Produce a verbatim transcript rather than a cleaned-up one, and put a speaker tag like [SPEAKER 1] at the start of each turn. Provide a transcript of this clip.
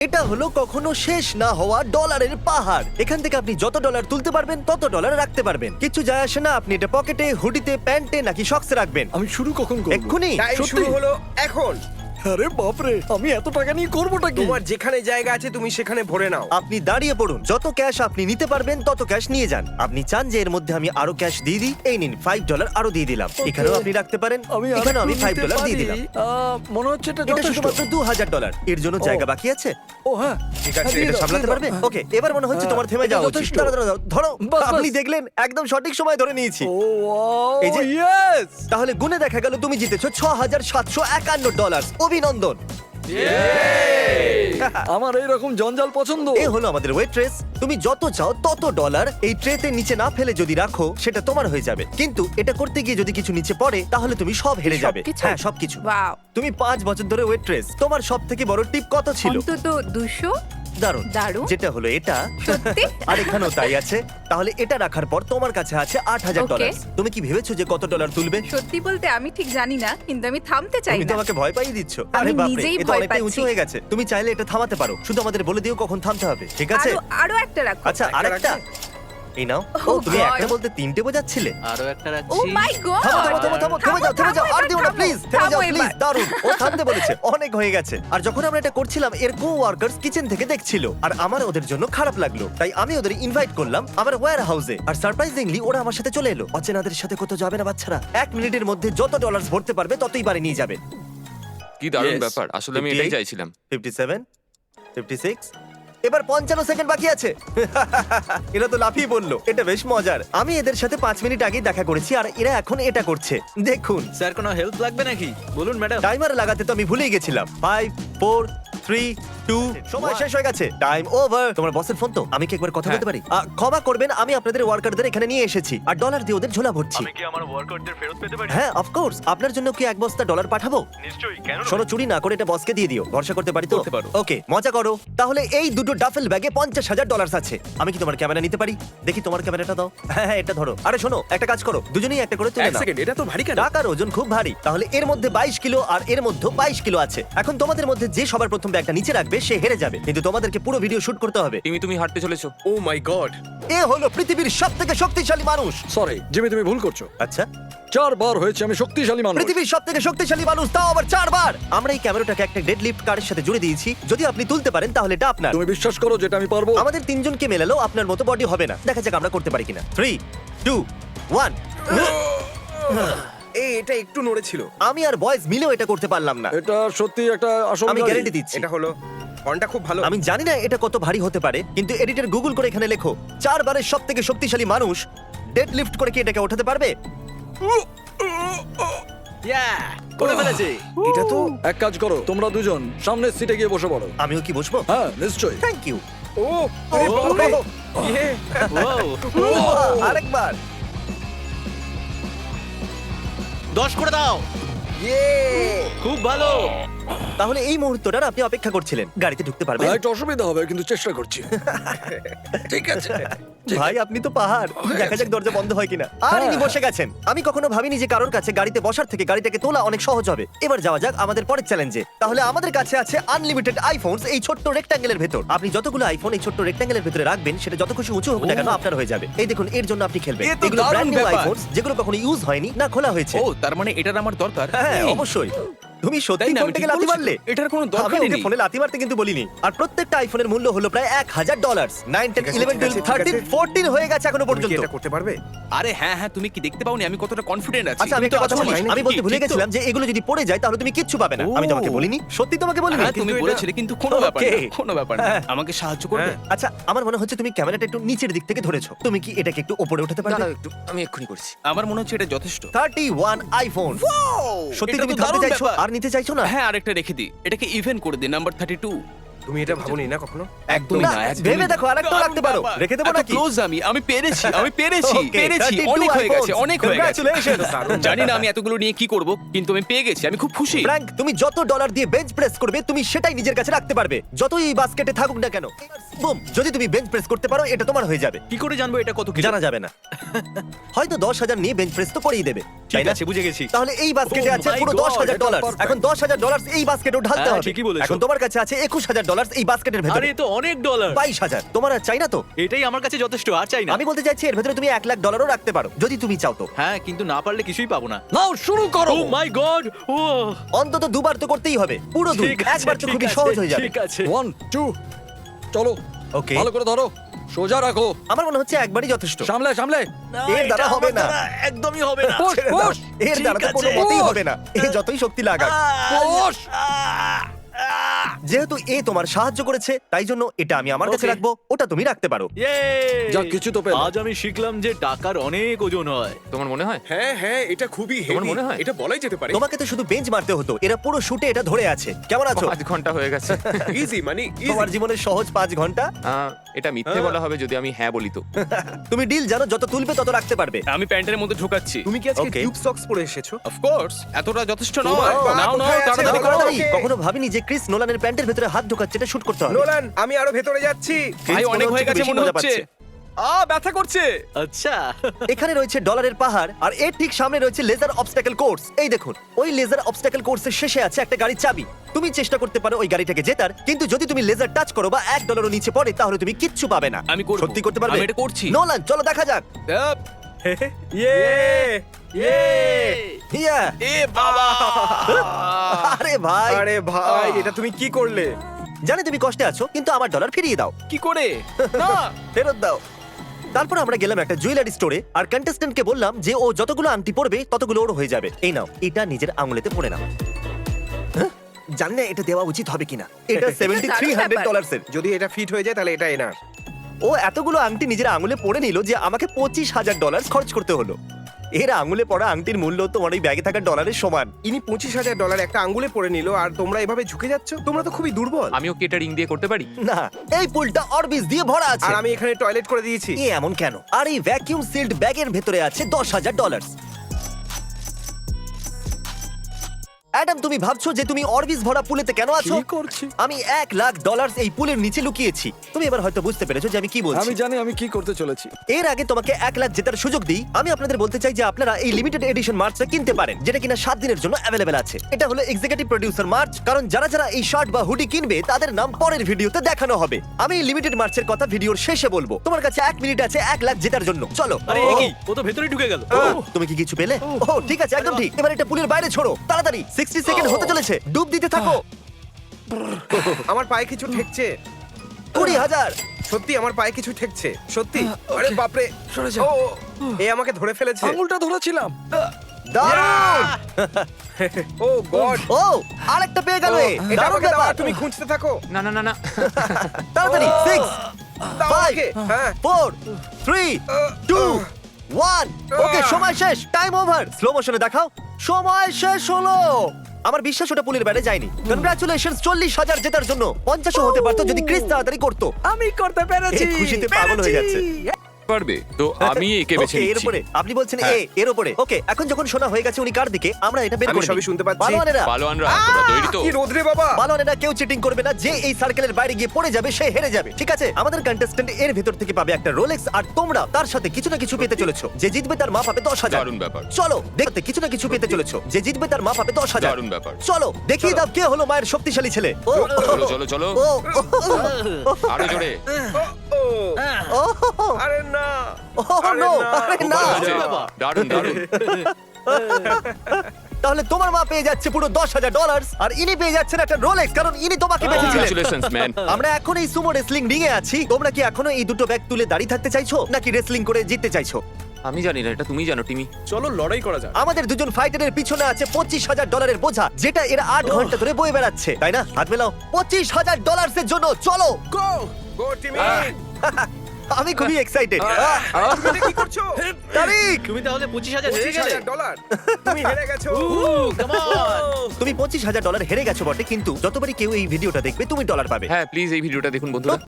[SPEAKER 1] এটা হলো কখনো শেষ না হওয়া ডলারের পাহাড়। এখান থেকে আপনি যত ডলার তুলতে পারবেন তত ডলার রাখতে পারবেন। কিছু যায় আসে না আপনি এটা পকেটে, হুডিতে, প্যান্টে নাকি শক্সে রাখবেন।
[SPEAKER 2] আমি শুরু কখন করব?
[SPEAKER 1] এক্ষুনি।
[SPEAKER 3] টাইম
[SPEAKER 2] সত্যি?
[SPEAKER 3] শুরু হলো এখন।
[SPEAKER 2] আরে বাপরে, আমি এত টাকা নিয়ে করবোটা কি?
[SPEAKER 3] তোমার যেখানে জায়গা আছে তুমি সেখানে ভরে নাও।
[SPEAKER 1] আপনি দাঁড়িয়ে পড়ুন, যত ক্যাশ আপনি নিতে পারবেন তত ক্যাশ নিয়ে যান। আপনি চান যে এর মধ্যে আমি আরো ক্যাশ দিয়ে দিই, এই নিন ফাইভ ডলার আরো দিয়ে দিলাম। এখানেও আপনি রাখতে পারেন,
[SPEAKER 2] আমি
[SPEAKER 1] এখানেও আমি
[SPEAKER 2] আরেকটু
[SPEAKER 1] ফাইভ
[SPEAKER 2] নিতে
[SPEAKER 1] ডলার দিয়ে
[SPEAKER 2] পারি।
[SPEAKER 1] দিলাম।
[SPEAKER 2] আহ, মনে হচ্ছে এটা
[SPEAKER 1] এটা
[SPEAKER 2] যথেষ্ট।
[SPEAKER 1] শুধুমাত্র দু হাজার ডলার। এর জন্য
[SPEAKER 2] ও।
[SPEAKER 1] জায়গা বাকি আছে।
[SPEAKER 2] ও হ্যাঁ,
[SPEAKER 3] ঠিক আছে,
[SPEAKER 2] হ্যাঁ, দিয়ে
[SPEAKER 1] এটা
[SPEAKER 2] দাও,
[SPEAKER 1] সামলাতে
[SPEAKER 2] দিয়ে
[SPEAKER 1] পারবে?
[SPEAKER 2] দাও।
[SPEAKER 1] ওকে, এবার মনে হচ্ছে
[SPEAKER 2] হ্যাঁ,
[SPEAKER 1] তোমার থেমে
[SPEAKER 2] এটা
[SPEAKER 1] যাওয়া উচিত।
[SPEAKER 2] যথেষ্ট।
[SPEAKER 1] দাঁড়াও, দাঁড়াও, দাঁড়াও, ধরো।
[SPEAKER 2] বাস,
[SPEAKER 1] আপনি
[SPEAKER 2] বাস।
[SPEAKER 1] দেখলেন একদম সঠিক সময় ধরে নিয়েছি।
[SPEAKER 2] ও ওয়াও,
[SPEAKER 1] এই যে-
[SPEAKER 2] ইয়েস!
[SPEAKER 1] তাহলে গুনে দেখা গেল তুমি জিতেছো ছ হাজার সাতশো একান্ন ডলার। অভিনন্দন।
[SPEAKER 2] আমার এইরকম জঞ্জাল পছন্দ।
[SPEAKER 1] এ হলো আমাদের ওয়েট্রেস। তুমি যত চাও তত ডলার এই ট্রেতে নিচে না ফেলে যদি রাখো সেটা তোমার হয়ে যাবে, কিন্তু এটা করতে গিয়ে যদি কিছু নিচে পড়ে তাহলে তুমি সব হেরে যাবে।
[SPEAKER 4] সবকিছু?
[SPEAKER 1] হ্যাঁ, সবকিছু।
[SPEAKER 4] ওয়াও,
[SPEAKER 1] তুমি পাঁচ বছর ধরে ওয়েট্রেস, তোমার সব থেকে বড় টিপ কত ছিল?
[SPEAKER 4] অন্তত দুশো।
[SPEAKER 1] দারুণ।
[SPEAKER 4] দারুণ।
[SPEAKER 1] যেটা হলো এটা।
[SPEAKER 4] সত্যি?
[SPEAKER 1] আর এখানেও তাই আছে। তাহলে এটা রাখার পর তোমার কাছে আছে আট হাজার
[SPEAKER 4] Okay.
[SPEAKER 1] ডলার। তুমি কি ভেবেছো যে কত ডলার তুলবে?
[SPEAKER 4] সত্যি বলতে আমি ঠিক জানি না, কিন্তু আমি থামতে চাই
[SPEAKER 1] তুমি
[SPEAKER 4] না।
[SPEAKER 1] তো আমাকে ভয় পাইয়ে দিচ্ছ।
[SPEAKER 4] আমি
[SPEAKER 1] আরে বাপরে,
[SPEAKER 4] নিজেই
[SPEAKER 1] এটা
[SPEAKER 4] ভয়
[SPEAKER 1] অনেকটাই উঁচু
[SPEAKER 4] পাচ্ছি।
[SPEAKER 1] হয়ে গেছে। তুমি চাইলে এটা থামাতে পারো, শুধু আমাদের বলে দিও কখন থামতে হবে, ঠিক আছে?
[SPEAKER 4] আরো আরো একটা রাখো।
[SPEAKER 1] আচ্ছা,
[SPEAKER 3] একটা
[SPEAKER 1] আরেকটা। এই নাও। ও,
[SPEAKER 4] Oh
[SPEAKER 1] তুমি
[SPEAKER 4] God.
[SPEAKER 1] একটা বলতে তিনটে বোঝাচ্ছিলে।
[SPEAKER 5] আরো একটা
[SPEAKER 4] ও
[SPEAKER 5] রাখছি।
[SPEAKER 4] My God.
[SPEAKER 1] থামো, থামো, থামো, থামো, থেমে যাও, থেমে যাও, আর দিও না, প্লিজ, থেমে যাও, প্লিজ। দারুণ, ও থামতে বলেছে, অনেক হয়ে গেছে। আর যখন আমরা এটা করছিলাম, এর কো ওয়ার্কার্স কিচেন থেকে দেখছিল, আর আমার ওদের জন্য খারাপ লাগলো, তাই আমি ওদের ইনভাইট করলাম আমার ওয়্যার হাউসে। আর সারপ্রাইজিংলি ওরা আমার সাথে চলে এলো। অচেনাদের সাথে কোথাও যাবে না বাচ্চারা। এক মিনিটের মধ্যে যত ডলার ভরতে পারবে ততই বাড়ি নিয়ে যাবে।
[SPEAKER 6] কি দারুণ
[SPEAKER 2] Yes.
[SPEAKER 6] ব্যাপার, আসলে আমি এটাই
[SPEAKER 1] fifty-eight,
[SPEAKER 6] চাইছিলাম।
[SPEAKER 1] ফিফটি সেভেন, ফিফটি সিক্স, এবার পঞ্চান্ন সেকেন্ড বাকি আছে। এরা তো লাফিয়ে বললো, এটা বেশ মজার। আমি এদের সাথে পাঁচ মিনিট আগে দেখা করেছি আর এরা এখন এটা করছে। দেখুন,
[SPEAKER 5] স্যার কোনো হেল্প লাগবে নাকি বলুন ম্যাডাম।
[SPEAKER 1] টাইমার লাগাতে তো আমি ভুলেই গেছিলাম। ফাইভ, ফোর, থ্রি, টু, সময় শেষ হয়ে গেছে। Time over. তোমার বসের ফোন তো? আমি কি একবার কথা বলতে পারি? আহ, ক্ষমা করবেন, আমি আপনাদের ওয়ার্কারদের এখানে নিয়ে এসেছি আর ডলার দিয়ে ওদের ঝোলা ভরছি।
[SPEAKER 7] আমি কি আমার ওয়ার্কারদের ফেরত পেতে পারি?
[SPEAKER 1] হ্যাঁ, অফকোর্স। আপনার জন্য কি এক বস্তা ডলার পাঠাবো?
[SPEAKER 7] নিশ্চয়ই, কেন নয়?
[SPEAKER 1] শোনো, চুরি না করে এটা বসকে দিয়ে দিও। ভরসা করতে পারি তো?
[SPEAKER 5] করতে পারো।
[SPEAKER 1] ওকে, মজা করো। তাহলে এই দুটো ডাফেল ব্যাগে পঞ্চাশ হাজার ডলার আছে। আমি কি তোমার ক্যামেরা নিতে পারি? দেখি তোমার ক্যামেরাটা দাও। হ্যাঁ হ্যাঁ, এটা ধরো। আরে শোনো, একটা কাজ করো, দুজনেই একটা করে তুলে
[SPEAKER 3] এক
[SPEAKER 1] নাও।
[SPEAKER 3] সেকেন্ড, এটা তো ভারী কেন?
[SPEAKER 1] টাকার ওজন খুব ভারী। তাহলে এর মধ্যে বাইশ কিলো আর এর মধ্যে বাইশ কিলো আছে। এখন তোমাদের মধ্যে যে সবার প্রথম ব্যাগটা নিচে রাখবে সে হেরে যাবে, কিন্তু তোমাদেরকে পুরো ভিডিও শুট করতে হবে।
[SPEAKER 6] তুমি তুমি হাঁটতে চলেছো।
[SPEAKER 3] ও মাই গড।
[SPEAKER 1] এ হলো পৃথিবীর সবথেকে শক্তিশালী মানুষ।
[SPEAKER 2] সরি জিমি, তুমি ভুল করছো।
[SPEAKER 1] আচ্ছা,
[SPEAKER 2] চারবার হয়েছে আমি শক্তিশালী মানুষ।
[SPEAKER 1] পৃথিবীর সবথেকে শক্তিশালী মানুষ, তাও আবার চারবার। আমরা এই ক্যামেরাটাকে একটা ডেড লিফট কারের সাথে জুড়ে দিয়েছি। যদি আপনি তুলতে পারেন তাহলে এটা আপনার।
[SPEAKER 2] তুমি বিশ্বাস করো যেটা আমি পারবো?
[SPEAKER 1] আমাদের তিনজনকে মেলালেও আপনার মতো বডি হবে না। দেখা যাক আমরা করতে পারি কিনা। Three, two, one.
[SPEAKER 3] এই এটা একটু নড়েছিল।
[SPEAKER 1] আমি আর বয়েজ মিলেও এটা করতে পারলাম না।
[SPEAKER 2] এটা সত্যি একটা আসল
[SPEAKER 1] আমি
[SPEAKER 2] গাড়ি।
[SPEAKER 1] গ্যারান্টি দিচ্ছি।
[SPEAKER 3] এটা হলো ফন্টটা খুব ভালো।
[SPEAKER 1] আমি জানি না এটা কত ভারী হতে পারে, কিন্তু এডিটর গুগল করে এখানে লেখো চারবারের সব থেকে শক্তিশালী মানুষ ডেড লিফট করে কি এটাকে ওঠাতে পারবে?
[SPEAKER 5] করে ফেলেছি।
[SPEAKER 3] এটা তো
[SPEAKER 2] এক কাজ করো, তোমরা দুজন সামনের সিটে গিয়ে বসে পড়ো।
[SPEAKER 1] আমিও কি বসবো?
[SPEAKER 2] হ্যাঁ নিশ্চয়ই।
[SPEAKER 1] Thank you.
[SPEAKER 3] ও আরে বাপরে। ইয়ে।
[SPEAKER 1] আরেকবার।
[SPEAKER 5] দশ করে দাও।
[SPEAKER 3] ইয়ে।
[SPEAKER 5] খুব ভালো।
[SPEAKER 1] তাহলে এই মুহূর্তটার আপনি অপেক্ষা করছিলেন। গাড়িতে ঢুকতে পারবেন?
[SPEAKER 2] একটু অসুবিধা হবে কিন্তু চেষ্টা করছি। ঠিক আছে।
[SPEAKER 1] ভাই, আপনি তো পাহাড়। দেখা যাক দরজা বন্ধ হয় কিনা। আর ইনি বসে গেছেন। আমি কখনো ভাবিনি যে কারোর কাছে গাড়িতে বসার থেকে গাড়িটাকে তোলা অনেক সহজ হবে। এবার যাওয়া যাক আমাদের পরের চ্যালেঞ্জে। তাহলে আমাদের কাছে আছে আনলিমিটেড আইফোনস এই ছোট্ট রেক্ট্যাঙ্গেলের ভেতর। আপনি যতগুলো আইফোন এই ছোট্ট রেক্ট্যাঙ্গেলের ভেতরে রাখবেন সেটা যত খুশি উঁচু হোক না কেন আপনার হয়ে যাবে। এই দেখুন, এর জন্য আপনি খেলবেন।
[SPEAKER 5] এ তো
[SPEAKER 1] এগুলো
[SPEAKER 5] দারুণ
[SPEAKER 1] ব্র্যান্ড নিউ
[SPEAKER 5] ব্যাপার।
[SPEAKER 1] আইফোনস, যেগুলো কখনো ইউজ হয়নি না খোলা হয়েছে।
[SPEAKER 5] ও তার মানে এটার আমার দরকার।
[SPEAKER 1] হ্যাঁ
[SPEAKER 5] এই,
[SPEAKER 1] অবশ্যই। তুমি
[SPEAKER 5] তাই
[SPEAKER 1] সত্যি
[SPEAKER 5] না, আমি
[SPEAKER 1] ফোনটাকে
[SPEAKER 5] ঠিক
[SPEAKER 1] লাথি
[SPEAKER 5] বলেছি
[SPEAKER 1] মারলে?
[SPEAKER 5] তো। এটার কোনো
[SPEAKER 1] আমি
[SPEAKER 5] দরকারই
[SPEAKER 1] ওকে
[SPEAKER 5] নেই।
[SPEAKER 1] ফোনে লাথি মারতে কিন্তু বলিনি। আর প্রত্যেকটা আইফোনের মূল্য হলো প্রায় এক হাজার ডলার। নাইন, টেন,
[SPEAKER 3] ঠিক আছে,
[SPEAKER 1] ইলেভেন,
[SPEAKER 3] ঠিক
[SPEAKER 1] টুয়েলভ,
[SPEAKER 3] আছে, ঠিক
[SPEAKER 1] থার্টিন,
[SPEAKER 3] আছে।
[SPEAKER 1] ফোরটিন হয়ে গেছে এখনো
[SPEAKER 3] তুমি কি
[SPEAKER 1] পর্যন্ত।
[SPEAKER 3] এটা করতে পারবে?
[SPEAKER 5] আরে হ্যাঁ হ্যাঁ, তুমি কি দেখতে পাওনি আমি কতটা কনফিডেন্ট আছি?
[SPEAKER 1] আচ্ছা, আমি
[SPEAKER 5] তুমি
[SPEAKER 1] একটা
[SPEAKER 5] তো
[SPEAKER 1] কথা
[SPEAKER 5] আছো
[SPEAKER 1] বলি।
[SPEAKER 5] নাকি?
[SPEAKER 1] আমি বলতে ভুলে
[SPEAKER 5] ঠিক তো?
[SPEAKER 1] গেছিলাম যে এগুলো যদি পড়ে যায় তাহলে তুমি কিচ্ছু পাবে না। আমি তোমাকে
[SPEAKER 5] ও।
[SPEAKER 1] বলিনি? সত্যি তোমাকে বলিনি?
[SPEAKER 5] হ্যাঁ তুমি
[SPEAKER 3] কিন্তু এটা-
[SPEAKER 5] বলেছিলে, কিন্তু কোনো ব্যাপার না,
[SPEAKER 1] Okay.
[SPEAKER 5] কোনো ব্যাপার না।
[SPEAKER 1] হ্যাঁ।
[SPEAKER 5] আমাকে সাহায্য করবে?
[SPEAKER 3] হ্যাঁ।
[SPEAKER 1] আচ্ছা, আমার মনে হচ্ছে তুমি ক্যামেরাটা একটু নিচের দিক থেকে ধরেছো। তুমি কি এটাকে একটু উপরে উঠাতে পারবে?
[SPEAKER 3] দাঁড়াও একটু, আমি এক্ষুনি করছি।
[SPEAKER 5] আমার মনে হচ্ছে এটা যথেষ্ট।
[SPEAKER 1] Thirty one iPhone. সত্যি
[SPEAKER 5] এটা
[SPEAKER 1] তুমি
[SPEAKER 5] তো
[SPEAKER 1] থামতে
[SPEAKER 5] দারুণ
[SPEAKER 1] চাইছো
[SPEAKER 5] ব্যাপার।
[SPEAKER 1] আর নিতে চাইছো না?
[SPEAKER 5] হ্যাঁ আরেকটা রেখে দিই, এটাকে ইভেন করে দিই, নাম্বার থার্টি টু।
[SPEAKER 3] তুমি এটা ভাবোনি না কখনো?
[SPEAKER 5] একদমই
[SPEAKER 1] না,
[SPEAKER 5] না, একদমই
[SPEAKER 1] ভেবে
[SPEAKER 5] না।
[SPEAKER 1] দেখো, আরেকটাও
[SPEAKER 5] দারুণ
[SPEAKER 1] রাখতে পারো।
[SPEAKER 5] ব্যাপার।
[SPEAKER 1] রেখে দেবো
[SPEAKER 5] এত
[SPEAKER 1] নাকি?
[SPEAKER 5] close আমি, আমি পেরেছি, আমি পেরেছি,
[SPEAKER 1] Okay,
[SPEAKER 5] পেরেছি,
[SPEAKER 1] থার্টি টু
[SPEAKER 5] অনেক হয়ে গেছে,
[SPEAKER 1] iPhones.
[SPEAKER 5] অনেক হয়ে গেছে।
[SPEAKER 1] Congratulations.
[SPEAKER 5] জানি না আমি এতগুলো নিয়ে কি করব, কিন্তু আমি পেয়ে গেছি, আমি খুব খুশি।
[SPEAKER 1] ফ্র্যাঙ্ক, তুমি যত ডলার দিয়ে বেঞ্চ প্রেস করবে তুমি সেটাই নিজের কাছে রাখতে পারবে, যতই এই বাস্কেটে থাকুক না কেন। বুম, যদি তুমি বেঞ্চ প্রেস করতে পারো এটা তোমার হয়ে যাবে।
[SPEAKER 5] কি করে জানবো এটা কত কিলো?
[SPEAKER 1] জানা যাবে না। হয়তো দশ হাজার নিয়ে বেঞ্চ প্রেস তো করেই দেবে, তাই
[SPEAKER 5] ঠিক
[SPEAKER 1] না?
[SPEAKER 5] আছে, বুঝে গেছি।
[SPEAKER 1] তাহলে এই বাস্কেটে
[SPEAKER 5] Oh
[SPEAKER 1] আছে
[SPEAKER 5] my
[SPEAKER 1] পুরো
[SPEAKER 5] God,
[SPEAKER 1] দশ হাজার
[SPEAKER 2] এটা
[SPEAKER 1] ডলার।
[SPEAKER 2] perfect.
[SPEAKER 1] এখন দশ হাজার ডলার এই বাস্কেটে ঢালতে
[SPEAKER 5] হ্যাঁ,
[SPEAKER 1] হবে।
[SPEAKER 5] ঠিকই বলেছো।
[SPEAKER 1] এখন তোমার কাছে আছে একুশ হাজার ডলার এই বাস্কেটের ভেতরে।
[SPEAKER 2] আরে এ তো অনেক ডলার।
[SPEAKER 1] বাইশ হাজার। তোমার আর চাই না তো?
[SPEAKER 8] এটাই আমার কাছে যথেষ্ট, আর চাই না।
[SPEAKER 1] আমি বলতে চাইছি এর ভেতরে তুমি এক লাখ ডলারও রাখতে পারো যদি তুমি চাও তো।
[SPEAKER 8] হ্যাঁ, কিন্তু না পারলে কিছুই পাবো না।
[SPEAKER 2] নাও শুরু করো। ও মাই গড। ও
[SPEAKER 1] অন্তত দুবার তো করতেই হবে, পুরো দুই।
[SPEAKER 2] ঠিক আছে,
[SPEAKER 1] একবার তো
[SPEAKER 2] ঠিক
[SPEAKER 1] খুবই
[SPEAKER 2] আছে,
[SPEAKER 1] সহজ হয়ে যাবে।
[SPEAKER 2] ঠিক আছে। ওয়ান টু চলো।
[SPEAKER 1] ওকে,
[SPEAKER 2] ভালো করে ধরো, সোজা রাখো,
[SPEAKER 1] আমার মনে হচ্ছে একবারই যথেষ্ট।
[SPEAKER 2] সামলে সামলে।
[SPEAKER 1] এর দ্বারা হবে না।
[SPEAKER 8] একদমই হবে না।
[SPEAKER 2] পুশ
[SPEAKER 1] ছেড়ে দাও।
[SPEAKER 2] পুশ।
[SPEAKER 1] এর দ্বারা তো কোনো মতেই হবে না, এ যতই শক্তি লাগাক।
[SPEAKER 2] পুশ।
[SPEAKER 1] যেহেতু এ তোমার সাহায্য করেছে তাই জন্য এটা আমি আমার কাছে
[SPEAKER 8] Okay.
[SPEAKER 1] রাখবো, ওটা তুমি রাখতে পারো।
[SPEAKER 2] যা কিছু তো পেলে।
[SPEAKER 8] আজ আমি শিখলাম যে টাকার অনেক ওজন হয়।
[SPEAKER 6] তোমার মনে হয়?
[SPEAKER 3] হ্যাঁ হ্যাঁ এটা খুবই
[SPEAKER 6] তোমার
[SPEAKER 3] হেভি।
[SPEAKER 6] মনে হয়?
[SPEAKER 3] এটা বলাই যেতে পারে।
[SPEAKER 1] তোমাকে তো শুধু বেঞ্চ মারতে হতো, এরা পুরো শুটে এটা ধরে আছে। কেমন আছো?
[SPEAKER 6] পাঁচ ঘন্টা হয়ে গেছে।
[SPEAKER 3] ইজি মানে
[SPEAKER 1] তোমার
[SPEAKER 3] ইজি।
[SPEAKER 1] জীবনের সহজ পাঁচ ঘন্টা।
[SPEAKER 6] আহ, এটা মিথ্যে বলা হবে যদি আমি হ্যাঁ বলি তো।
[SPEAKER 1] তুমি ডিল জানো, যত তুলবে তত রাখতে পারবে।
[SPEAKER 5] আমি প্যান্টের মধ্যে ঢোকাচ্ছি।
[SPEAKER 3] তুমি কি আজকে
[SPEAKER 1] Okay.
[SPEAKER 3] টিউব সক্স পরে এসেছো?
[SPEAKER 5] অফ কোর্স, এতটা যথেষ্ট
[SPEAKER 3] তোমার
[SPEAKER 5] নয়।
[SPEAKER 3] পা
[SPEAKER 5] নাও নাও,
[SPEAKER 3] কোথায় আছে?
[SPEAKER 5] তাড়াতাড়ি
[SPEAKER 3] দাও,
[SPEAKER 5] করো।
[SPEAKER 3] দাও।
[SPEAKER 1] তাড়াতাড়ি। কখনো ভাবিনি যে ক্রিস নোলানের প্যান্টের ভেতরে হাত ঢোকাচ্ছে, এটা শুট করতে হবে।
[SPEAKER 3] নোলান, আমি আরো ভেতরে যাচ্ছি।
[SPEAKER 5] ভাই অনেক হয়ে গেছে
[SPEAKER 1] বেশি
[SPEAKER 5] মনে
[SPEAKER 1] মজা
[SPEAKER 5] হচ্ছে।
[SPEAKER 1] পাচ্ছে।
[SPEAKER 5] আ ব্যথা করছে।
[SPEAKER 8] আচ্ছা,
[SPEAKER 1] এখানে রয়েছে ডলারের পাহাড় আর এর ঠিক সামনে রয়েছে লেজার অবস্টাকল কোর্স। এই দেখুন, ওই লেজার অবস্টাকল কোর্সের শেষে আছে একটা গাড়ির চাবি। তুমি চেষ্টা করতে পারো ওই গাড়িটাকে জেতার, কিন্তু যদি তুমি লেজার টাচ করো বা এক ডলারও নিচে পড়ে তাহলে তুমি কিচ্ছু পাবে না।
[SPEAKER 5] আমি করবো।
[SPEAKER 1] সত্যি করতে পারবে?
[SPEAKER 5] আমি এটা করছি।
[SPEAKER 1] নোলান, চলো দেখা যাক।
[SPEAKER 5] আপ,
[SPEAKER 3] ইয়ে! ইয়ে!
[SPEAKER 1] ইয়া!
[SPEAKER 5] এ বাবা।
[SPEAKER 1] আরে ভাই,
[SPEAKER 3] আরে ভাই, এটা তুমি কি করলে?
[SPEAKER 1] জানি তুমি কষ্টে আছো, কিন্তু আমার ডলার ফিরিয়ে দাও।
[SPEAKER 5] কি করে? না।
[SPEAKER 1] ফেরত দাও। তারপর আমরা গেলাম একটা জুয়েলারি স্টোরে আর কন্টেস্ট্যান্টকে বললাম যে ও যতগুলো আংটি পরবে ততগুলো ওর হয়ে যাবে। এই নাও, এটা নিজের আঙুলেতে পরে নাও। হ্যাঁ? জানি না এটা দেওয়া উচিত হবে কিনা। এটা সেভেন্টি থ্রি হান্ড্রেড ডলার্সের।
[SPEAKER 3] যদি এটা ফিট হয়ে যায় তাহলে এটা এনার।
[SPEAKER 1] ও এতগুলো আংটি নিজের আঙুলে পরে নিল যে আমাকে পঁচিশ হাজার ডলার খরচ করতে হলো। এর আঙুলে পড়া আংটির মূল্য তোমার এই ব্যাগে থাকা ডলারের সমান।
[SPEAKER 3] ইনি পঁচিশ হাজার ডলার একটা আঙ্গুলে পরে নিল আর তোমরা এভাবে ঝুঁকে যাচ্ছ? তোমরা তো খুবই দুর্বল।
[SPEAKER 6] আমিও কেটারিং দিয়ে করতে পারি।
[SPEAKER 1] না, এই পুলটা অরবিস দিয়ে ভরা আছে।
[SPEAKER 3] আর আমি এখানে টয়লেট করে দিয়েছি।
[SPEAKER 1] এ এমন কেন? আর এই ভ্যাকিউম সিল্ড ব্যাগের ভেতরে আছে দশ হাজার ডলার। অ্যাডাম, তুমি ভাবছো যে তুমি অরবিস ভরা পুলেতে কেন আছো?
[SPEAKER 2] কি করছি?
[SPEAKER 1] আমি এক লাখ ডলার এই পুলের নিচে লুকিয়েছি। তুমি এবার হয়তো বুঝতে পেরেছো যে আমি কি বলছি।
[SPEAKER 2] আমি জানি আমি কি করতে চলেছি।
[SPEAKER 1] এর আগে তোমাকে এক লাখ জেতার সুযোগ দিই, আমি আপনাদের বলতে চাই যে আপনারা এই লিমিটেড এডিশন মার্চটা কিনতে পারেন, যেটা কিনা সাত দিনের জন্য অ্যাভেলেবেল আছে। এটা হলো এক্সিকিউটিভ প্রোডিউসার মার্চ, কারণ যারা যারা এই শার্ট বা হুডি কিনবে তাদের নাম পরের ভিডিওতে দেখানো হবে। আমি এই লিমিটেড মার্চের কথা ভিডিওর শেষে বলবো। তোমার কাছে এক মিনিট আছে এক লাখ জেতার জন্য। চলো।
[SPEAKER 8] আরে এ কি? ও তো ভেতরে ঢুকে গেল।
[SPEAKER 1] ও, তুমি কি কিছু পেলে? ও ঠিক আছে, একদম ঠিক। এবার এটা পুলের বাইরে ছোড়ো তাড়াতাড়ি। ষাট সেকেন্ড হতে চলেছে, ডুব দিতে থাকো।
[SPEAKER 3] আমার পায়ে কিছু ঠেকছে।
[SPEAKER 1] কুড়ি হাজার।
[SPEAKER 3] সত্যি আমার পায়ে কিছু ঠেকছে। সত্যি। আরে বাপরে।
[SPEAKER 2] সরে যা।
[SPEAKER 3] ও, এ আমাকে ধরে ফেলেছে।
[SPEAKER 2] আঙুলটা ধরেছিলাম।
[SPEAKER 1] দারুণ!
[SPEAKER 3] ও গড।
[SPEAKER 1] ও, আরেকটা পেয়ে গেল। এ।
[SPEAKER 3] এটা
[SPEAKER 1] দারুণ
[SPEAKER 3] আমাকে দাও,
[SPEAKER 1] ব্যাপার।
[SPEAKER 3] আর তুমি খুঁজতে থাকো।
[SPEAKER 6] না না না না।
[SPEAKER 1] তাড়াতাড়ি। সিক্স,
[SPEAKER 3] দাও
[SPEAKER 1] ফাইভ,
[SPEAKER 3] আমাকে। হ্যাঁ।
[SPEAKER 1] Four, three, two, one. Okay, সময় শেষ। Time over. স্লো মোশনে দেখাও। সময় শেষ হলো। আমার বিশ্বাস ওটা পুলের বাইরে যায়নি। কনগ্রাচুলেশনস চল্লিশ হাজার জেতার জন্য। পঞ্চাশও হতে পারতো যদি ক্রিস তাড়াতাড়ি করতো।
[SPEAKER 2] আমি করতে পেরেছি।
[SPEAKER 1] এ খুশিতে পাগল হয়ে যাচ্ছে।
[SPEAKER 6] পারবে তো আমি একে বেছে
[SPEAKER 1] ওকে, এর
[SPEAKER 6] নিচ্ছি।
[SPEAKER 1] উপরে আপনি বলছেন এ,
[SPEAKER 6] হ্যাঁ।
[SPEAKER 1] এর উপরে। ওকে, এখন যখন শোনা হয়ে গেছে উনি কার দিকে, আমরা এটা বের
[SPEAKER 3] আমি
[SPEAKER 1] করে
[SPEAKER 3] সবই
[SPEAKER 1] দিই।
[SPEAKER 3] শুনতে পাচ্ছি।
[SPEAKER 1] পালোয়ানেরা,
[SPEAKER 6] পালোয়ানরা তোমরা তৈরি তো?
[SPEAKER 3] কি রোদরে বাবা।
[SPEAKER 1] পালোয়ানেরা কেউ চিটিং করবে না। যে এই সার্কেলের বাইরে গিয়ে পড়ে যাবে সে হেরে যাবে, ঠিক আছে? আমাদের কন্টেস্ট্যান্ট এর ভেতর থেকে পাবে একটা রোলেক্স আর তোমরা তার সাথে কিছু না কিছু পেতে চলেছো। যে জিতবে তার মা পাবে দশ হাজার।
[SPEAKER 6] দারুণ ব্যাপার।
[SPEAKER 1] চলো দেখতে কিছু না কিছু পেতে চলেছো। যে জিতবে তার মা পাবে দশ হাজার।
[SPEAKER 6] দারুণ ব্যাপার।
[SPEAKER 1] চলো দেখিয়ে দাও কে হলো মায়ের শক্তিশালী ছেলে। ও
[SPEAKER 6] চলো চলো চলো।
[SPEAKER 1] ও
[SPEAKER 6] আরো জোরে।
[SPEAKER 3] ও,
[SPEAKER 1] ও
[SPEAKER 3] আরে না।
[SPEAKER 1] ও
[SPEAKER 3] আরে
[SPEAKER 1] নো,
[SPEAKER 3] না।
[SPEAKER 1] আরে
[SPEAKER 6] খুব
[SPEAKER 1] না।
[SPEAKER 6] ভালো হয়েছে। দারুণ দারুণ।
[SPEAKER 1] তাহলে তোমার মা পেয়ে যাচ্ছে পুরো দশ হাজার ডলার আর ইনি পেয়ে যাচ্ছেন একটা রোলেক্স, কারণ ইনি তোমাকে বেঁচেছিলেন।
[SPEAKER 6] Congratulations man.
[SPEAKER 1] আমরা এখন এই সুমো রেসলিং রিং এ আছি। তোমরা কি এখনো এই দুটো ব্যাগ তুলে দাঁড়িয়ে থাকতে চাইছো নাকি রেসলিং করে জিততে চাইছো?
[SPEAKER 6] আমি জানি না, এটা তুমি জানো টিমি।
[SPEAKER 3] চলো লড়াই করা যাক।
[SPEAKER 1] আমাদের দুজন ফাইটারের পিছনে আছে পঁচিশ হাজার ডলারের বোঝা, যেটা এরা আট ঘন্টা ধরে বয়ে বেড়াচ্ছে, তাই না? হাত মেলাও। পঁচিশ হাজার ডলারের জন্য চলো।
[SPEAKER 3] Go go Timmy.
[SPEAKER 1] আমি খুবই এক্সাইটেড।
[SPEAKER 3] তুমি কি করছো?
[SPEAKER 1] তারিক,
[SPEAKER 8] তুমি তাহলে পঁচিশ হাজার হেরে
[SPEAKER 3] পঁচিশ
[SPEAKER 8] গেলে।
[SPEAKER 3] হাজার ডলার। তুমি হেরে গেছো।
[SPEAKER 8] Come on!
[SPEAKER 1] তুমি পঁচিশ হাজার ডলার হেরে গেছো বটে, কিন্তু যতবারই কেউ এই ভিডিওটা দেখবে তুমি ডলার পাবে।
[SPEAKER 6] হ্যাঁ প্লিজ এই ভিডিওটা দেখুন বন্ধুরা।